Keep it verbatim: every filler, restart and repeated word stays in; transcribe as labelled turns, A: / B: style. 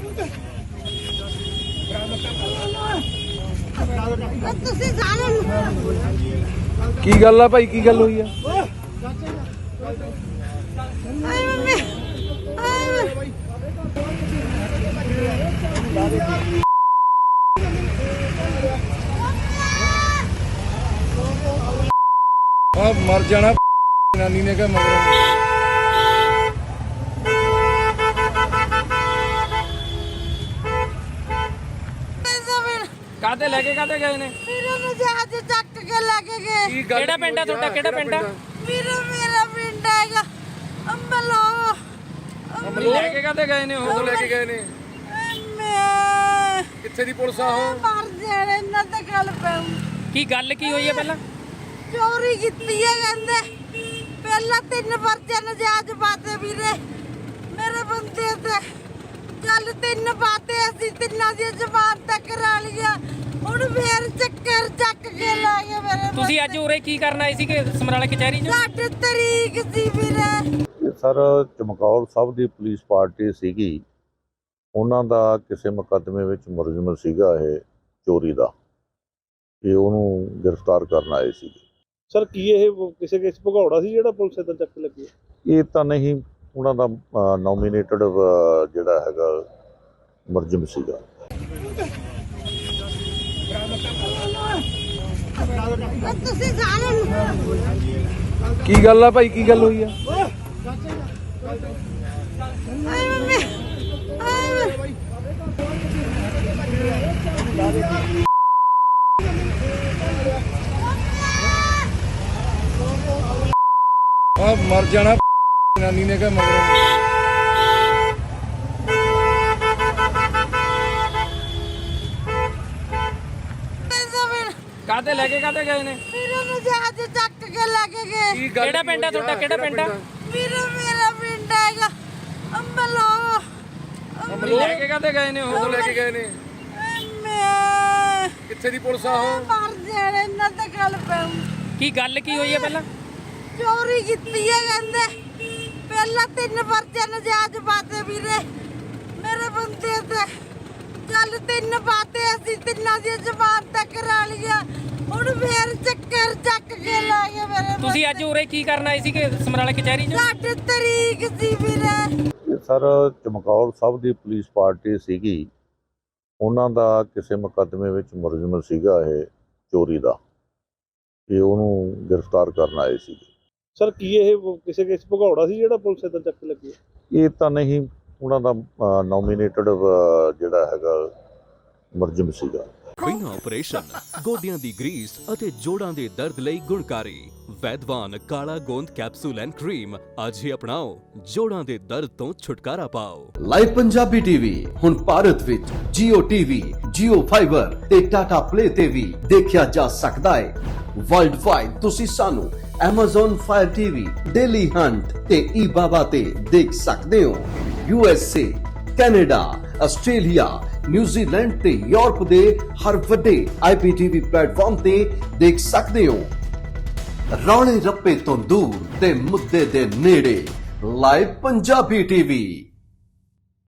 A: ਕੀ ਗੱਲ ਆ ਭਾਈ, ਕੀ ਗੱਲ ਹੋਈ ਆ? ਆ ਮਰ ਜਾਣਾ ਨਾਨੀ ਨੇ ਕਿਹਾ ਮਗਰ।
B: ਕਾਹਤੇ ਲੈ ਕੇ ਕਾਹਤੇ ਗਏ ਨੇ?
C: ਵੀਰੇ ਨੂੰ ਜਹਾਜ਼ ਚੱਕ ਕੇ ਲੈ ਕੇ ਗਏ।
B: ਕਿਹੜਾ ਪਿੰਡ ਆ ਤੁਹਾਡਾ? ਕਿਹੜਾ ਪਿੰਡ ਆ?
C: ਵੀਰੇ ਮੇਰਾ ਪਿੰਡ ਹੈਗਾ ਅੰਬਲੋ।
B: ਅੰਬਲੋ ਲੈ ਕੇ ਕਾਹਤੇ ਗਏ ਨੇ? ਉਹ
A: ਲੈ ਕੇ ਗਏ ਨੇ।
C: ਮੈਂ
A: ਕਿੱਥੇ ਦੀ ਪੁਲਿਸ ਆ ਉਹ?
C: ਮਰ ਜਾਣਾ ਇਹਨਾਂ ਤੇ ਗੱਲ ਪਊ।
B: ਕੀ ਗੱਲ ਕੀ ਹੋਈ ਹੈ? ਪਹਿਲਾਂ
C: ਚੋਰੀ ਕੀਤੀ ਹੈ ਕਹਿੰਦੇ। ਪਹਿਲਾਂ ਤਿੰਨ ਪਰਚੇ ਨਜਾਇਜ਼ ਪਾਤੇ ਵੀਰੇ ਮੇਰੇ ਬੰਦੇ ਤੇ। ਚੱਲ ਤਿੰਨ ਪਾਤੇ, ਅਸੀਂ ਤਿੰਨਾਂ ਦੀ ਜ਼ਬਾਨ ਤੱਕ ਕਰਾ ਲਿਆ। ਹੁਣ ਫੇਰ ਚੱਕਰ ਚੱਕ ਕੇ ਲੈ ਗਏ ਮੇਰੇ।
B: ਤੁਸੀਂ ਅੱਜ ਉਰੇ ਕੀ ਕਰਨ ਆਏ ਸੀਗੇ ਸਮਰਾਲਾ ਕਚਹਿਰੀ 'ਚ?
C: ਸਾਡੀ ਤਰੀਕ ਸੀ ਵੀਰੇ।
D: ਸਰ ਚਮਕੌਰ ਸਾਹਿਬ ਦੀ ਪੁਲਿਸ ਪਾਰਟੀ ਸੀਗੀ, ਉਹਨਾਂ ਦਾ ਕਿਸੇ ਮੁਕੱਦਮੇ ਵਿੱਚ ਮੁਲਜ਼ਮ ਸੀਗਾ ਇਹ ਚੋਰੀ ਦਾ, ਇਹ ਉਹਨੂੰ ਗ੍ਰਿਫਤਾਰ ਕਰਨ ਆਏ ਸੀਗੇ।
E: ਸਰ ਕੀ ਇਹ ਕਿਸੇ ਕੇਸ ਭਗੌੜਾ ਸੀ ਜਿਹੜਾ ਪੁਲਿਸ ਇੱਦਾਂ ਚੱਕ ਲੱਗੀ?
D: ਇਹ ਤਾਂ ਨਹੀਂ, ਉਹਨਾਂ ਦਾ ਨੋਮੀਨੇਟਡ ਜਿਹੜਾ ਹੈਗਾ ਮੁਲਜ਼ਮ ਸੀਗਾ।
C: ਤੁਸੀਂ ਸਾਰੇ
A: ਕੀ ਗੱਲ ਆ ਭਾਈ, ਕੀ ਗੱਲ ਹੋਈ ਆ?
C: ਆਏ ਮੰਮੀ ਆਏ
A: ਆ ਮਰ ਜਾਣਾ ਨਾਨੀ ਨੇ ਕਿਹਾ ਮਗਰ।
B: ਕਾਹਤੇ ਲੈ ਕੇ ਕਾਹਤੇ ਗਏ ਨੇ?
C: ਵੀਰੇ ਨੂੰ ਜਹਾਜ਼ ਚੱਕ ਕੇ ਲੈ ਕੇ ਗਏ।
B: ਕਿਹੜਾ ਪਿੰਡ ਆ ਤੁਹਾਡਾ? ਕਿਹੜਾ ਪਿੰਡ ਆ?
C: ਵੀਰੇ ਮੇਰਾ ਪਿੰਡ ਹੈਗਾ ਅੰਬਲੋ।
B: ਅੰਬਲੋ ਲੈ ਕੇ ਕਾਹਤੇ ਗਏ ਨੇ? ਉਹ
A: ਲੈ ਕੇ ਗਏ ਨੇ।
C: ਮੈਂ
A: ਕਿੱਥੇ ਦੀ ਪੁਲਿਸ ਆ ਉਹ?
C: ਮਰ ਜਾਣਾ ਇਹਨਾਂ ਤੇ ਗੱਲ ਪਊ।
B: ਕੀ ਗੱਲ ਕੀ ਹੋਈ ਹੈ? ਪਹਿਲਾਂ
C: ਚੋਰੀ ਕੀਤੀ ਹੈ ਕਹਿੰਦੇ। ਪਹਿਲਾਂ ਤਿੰਨ ਪਰਚੇ ਨਜਾਇਜ਼ ਪਾਤੇ ਵੀਰੇ ਮੇਰੇ ਬੰਦੇ ਤੇ। ਚੱਲ ਤਿੰਨ ਪਾਤੇ, ਅਸੀਂ ਤਿੰਨਾਂ ਦੀ ਜ਼ਬਾਨ ਤੱਕ ਕਰਾ ਲਿਆ। ਹੁਣ ਫੇਰ ਚੱਕਰ ਚੱਕ ਕੇ ਲੈ ਗਏ ਮੇਰੇ।
B: ਤੁਸੀਂ ਅੱਜ ਉਰੇ ਕੀ ਕਰਨ ਆਏ ਸੀਗੇ ਸਮਰਾਲਾ ਕਚਹਿਰੀ 'ਚ?
C: ਸਾਡੀ ਤਰੀਕ ਸੀ ਵੀਰੇ।
D: ਸਰ ਚਮਕੌਰ ਸਾਹਿਬ ਦੀ ਪੁਲਿਸ ਪਾਰਟੀ ਸੀਗੀ, ਉਹਨਾਂ ਦਾ ਕਿਸੇ ਮੁਕੱਦਮੇ ਵਿੱਚ ਮੁਲਜ਼ਮ ਸੀਗਾ ਇਹ ਚੋਰੀ ਦਾ, ਇਹ ਉਹਨੂੰ ਗ੍ਰਿਫਤਾਰ ਕਰਨ ਆਏ ਸੀਗੇ।
E: ਸਰ ਕੀ ਇਹ ਕਿਸੇ ਕੇਸ ਭਗੌੜਾ ਸੀ ਜਿਹੜਾ ਪੁਲਿਸ ਇੱਦਾਂ ਚੱਕ ਲੱਗੀ?
D: ਇਹ ਤਾਂ ਨਹੀਂ, ਉਹਨਾਂ ਦਾ ਨੋਮੀਨੇਟਡ ਜਿਹੜਾ ਹੈਗਾ ਮੁਲਜ਼ਮ ਸੀਗਾ।
F: ਬਿਨਾਂ ਆਪਰੇਸ਼ਨ ਗੋਡਿਆਂ ਦੀ ਗਰੀਸ ਅਤੇ ਜੋੜਾਂ ਦੇ ਦਰਦ ਲਈ ਗੁਣਕਾਰੀ ਵੈਦਵਾਨ ਕਾਲਾ ਗੋਂਦ ਕੈਪਸੂਲ ਐਂਡ ਕਰੀਮ ਅੱਜ ਹੀ ਅਪਣਾਓ, ਜੋੜਾਂ ਦੇ ਦਰਦ ਤੋਂ ਛੁਟਕਾਰਾ ਪਾਓ।
G: ਲਾਈਵ ਪੰਜਾਬੀ ਟੀਵੀ ਹੁਣ ਭਾਰਤ ਵਿੱਚ ਜੀਓ ਟੀਵੀ, ਜੀਓ ਫਾਈਬਰ ਤੇ ਟਾਟਾ ਪਲੇ ਤੇ ਵੀ ਦੇਖਿਆ ਜਾ ਸਕਦਾ ਹੈ। ਵਰਲਡ ਵਾਈਡ ਤੁਸੀਂ ਸਾਨੂੰ Amazon Fire T V, Daily Hunt ਤੇ eBaba ਤੇ ਦੇਖ ਸਕਦੇ ਹੋ। U S A, Canada, Australia, New Zealand ਤੇ ਯੂਰਪ ਦੇ ਹਰ ਵੱਡੇ ਆਈ ਪੀ ਟੀ ਵੀ ਪਲੇਟਫਾਰਮ ਤੇ ਦੇਖ ਸਕਦੇ ਹੋ। ਰੌਲੇ ਰੱਪੇ ਤੋਂ ਦੂਰ ਤੇ ਮੁੱਦੇ ਦੇ ਨੇੜੇ, ਲਾਈਵ ਪੰਜਾਬੀ ਟੀਵੀ।